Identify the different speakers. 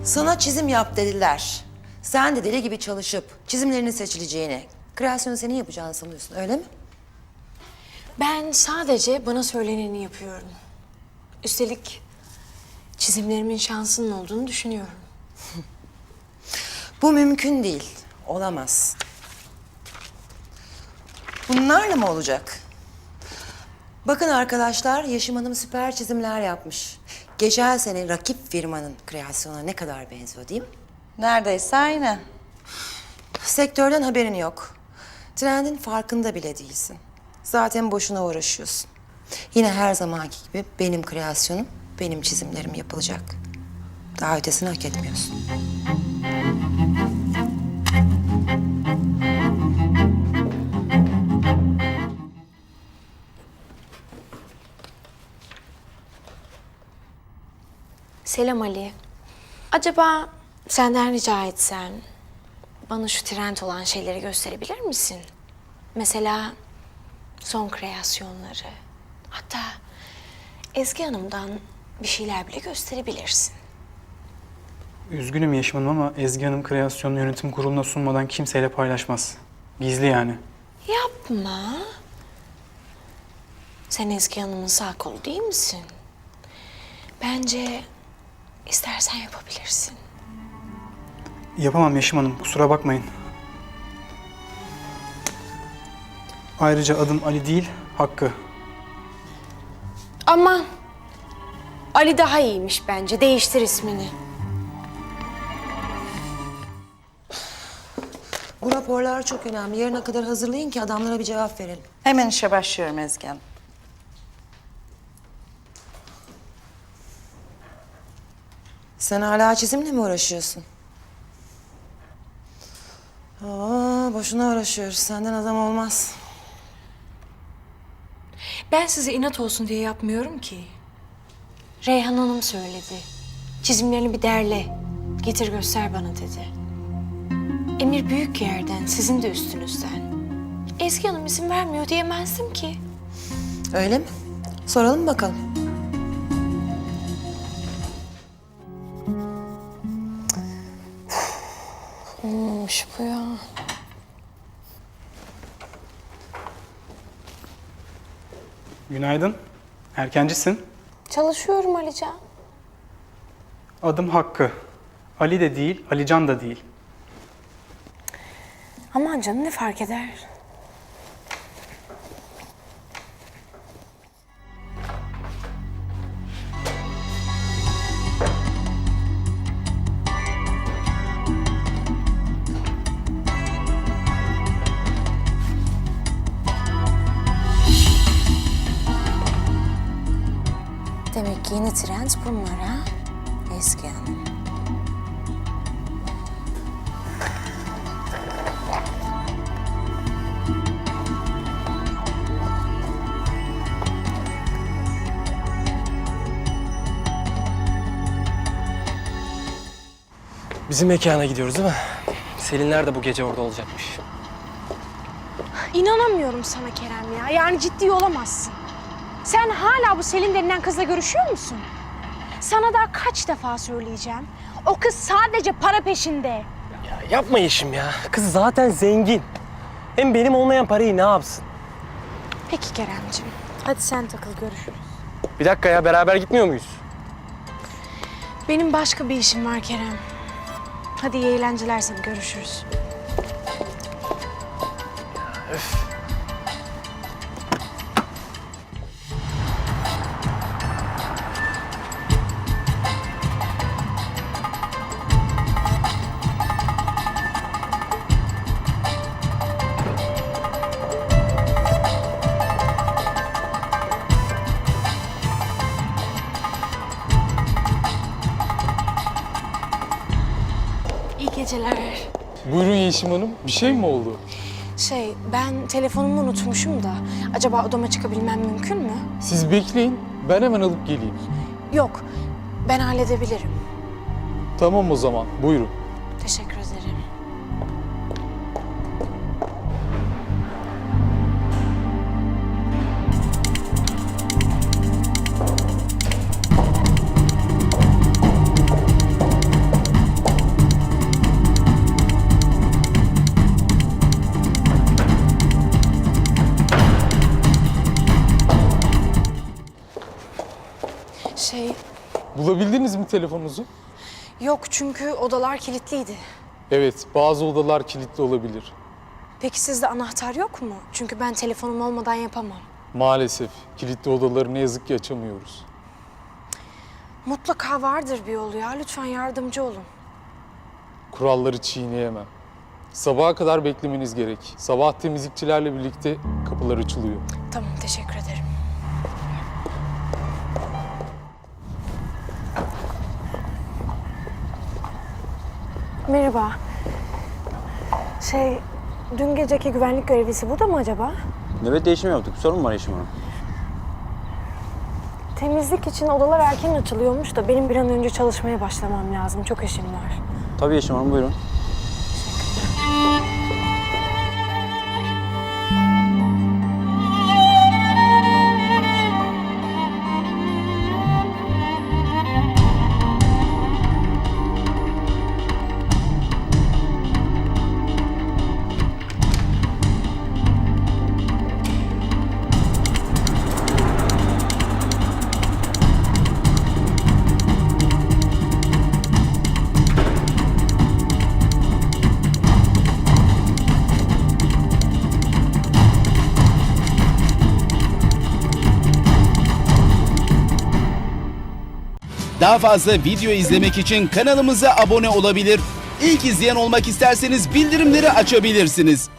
Speaker 1: Sana çizim yap dediler. Sen de deli gibi çalışıp çizimlerinin seçileceğini, kreasyonu senin yapacağını sanıyorsun, öyle mi?
Speaker 2: Ben sadece bana söyleneni yapıyorum. Üstelik çizimlerimin şansının olduğunu düşünüyorum.
Speaker 1: Bu mümkün değil, olamaz. Bunlarla mı olacak? Bakın arkadaşlar, Yeşim Hanım süper çizimler yapmış. Geçen sene rakip firmanın kreasyonuna ne kadar benziyor değil mi?
Speaker 3: Neredeyse aynı.
Speaker 1: Sektörden haberin yok. Trendin farkında bile değilsin. Zaten boşuna uğraşıyorsun. Yine her zamanki gibi benim kreasyonum, benim çizimlerim yapılacak. Daha ötesini hak etmiyorsun.
Speaker 2: Selam Ali. Acaba senden rica etsem bana şu trend olan şeyleri gösterebilir misin? Mesela son kreasyonları. Hatta Ezgi Hanım'dan bir şeyler bile gösterebilirsin.
Speaker 4: Üzgünüm Yeşim Hanım ama Ezgi Hanım kreasyonunu yönetim kuruluna sunmadan kimseyle paylaşmaz. Gizli yani.
Speaker 2: Yapma. Sen Ezgi Hanım'ın sağ kolu değil misin? Bence istersen yapabilirsin.
Speaker 4: Yapamam Yeşim Hanım, kusura bakmayın. Ayrıca adım Ali değil, Hakkı.
Speaker 2: Ama Ali daha iyiymiş bence. Değiştir ismini.
Speaker 1: Bu raporlar çok önemli. Yarına kadar hazırlayın ki adamlara bir cevap verelim.
Speaker 3: Hemen işe başlıyorum Ezgi Hanım.
Speaker 1: Sen hala çizimle mi uğraşıyorsun? Boşuna uğraşıyoruz. Senden adam olmaz.
Speaker 2: Ben size inat olsun diye yapmıyorum ki. Reyhan Hanım söyledi. Çizimlerini bir derle. Getir göster bana dedi. Emir büyük yerden, sizin de üstünüzden. Ezgi Hanım izin vermiyor diyemezdim ki.
Speaker 1: Öyle mi? Soralım bakalım.
Speaker 2: Olmamış bu ya.
Speaker 4: Günaydın, erkencisin.
Speaker 2: Çalışıyorum Alican.
Speaker 4: Adım Hakkı. Ali de değil, Alican da değil.
Speaker 2: Aman canım ne fark eder? Demek ki yeni trend bunlar ha? Ezgi Hanım.
Speaker 5: Bizim mekana gidiyoruz değil mi? Selinler de bu gece orada olacakmış.
Speaker 6: İnanamıyorum sana Kerem ya. Yani ciddi olamazsın. Sen hala bu Selin denilen kızla görüşüyor musun? Sana daha kaç defa söyleyeceğim. O kız sadece para peşinde.
Speaker 5: Ya yapma Yeşim ya. Kız zaten zengin. Hem benim olmayan parayı ne yapsın?
Speaker 6: Peki Keremciğim. Hadi sen takıl, görüşürüz.
Speaker 5: Bir dakika ya, beraber gitmiyor muyuz?
Speaker 6: Benim başka bir işim var Kerem. Hadi iyi eğlenceler sana, görüşürüz. İyi geceler.
Speaker 7: Buyurun Yeşim Hanım, bir şey mi oldu?
Speaker 6: Ben telefonumu unutmuşum da. Acaba odama çıkabilmem mümkün mü?
Speaker 7: Siz bekleyin, ben hemen alıp geleyim.
Speaker 6: Yok, ben halledebilirim.
Speaker 7: Tamam o zaman, buyurun.
Speaker 6: Teşekkür ederim.
Speaker 7: Bulabildiniz mi telefonunuzu?
Speaker 2: Yok çünkü odalar kilitliydi.
Speaker 7: Evet, bazı odalar kilitli olabilir.
Speaker 2: Peki sizde anahtar yok mu? Çünkü ben telefonum olmadan yapamam.
Speaker 7: Maalesef kilitli odaları ne yazık ki açamıyoruz.
Speaker 2: Mutlaka vardır bir yolu ya. Lütfen yardımcı olun.
Speaker 7: Kuralları çiğneyemem. Sabaha kadar beklemeniz gerek. Sabah temizlikçilerle birlikte kapılar açılıyor.
Speaker 2: Tamam, teşekkür ederim. Merhaba. Dün geceki güvenlik görevlisi burada mı acaba?
Speaker 8: Nöbet değişimi yaptık. Sorun mu var Yeşim Hanım?
Speaker 2: Temizlik için odalar erken açılıyormuş da benim bir an önce çalışmaya başlamam lazım. Çok işim var.
Speaker 8: Tabii Yeşim Hanım, buyurun.
Speaker 9: Daha fazla video izlemek için kanalımıza abone olabilir. İlk izleyen olmak isterseniz bildirimleri açabilirsiniz.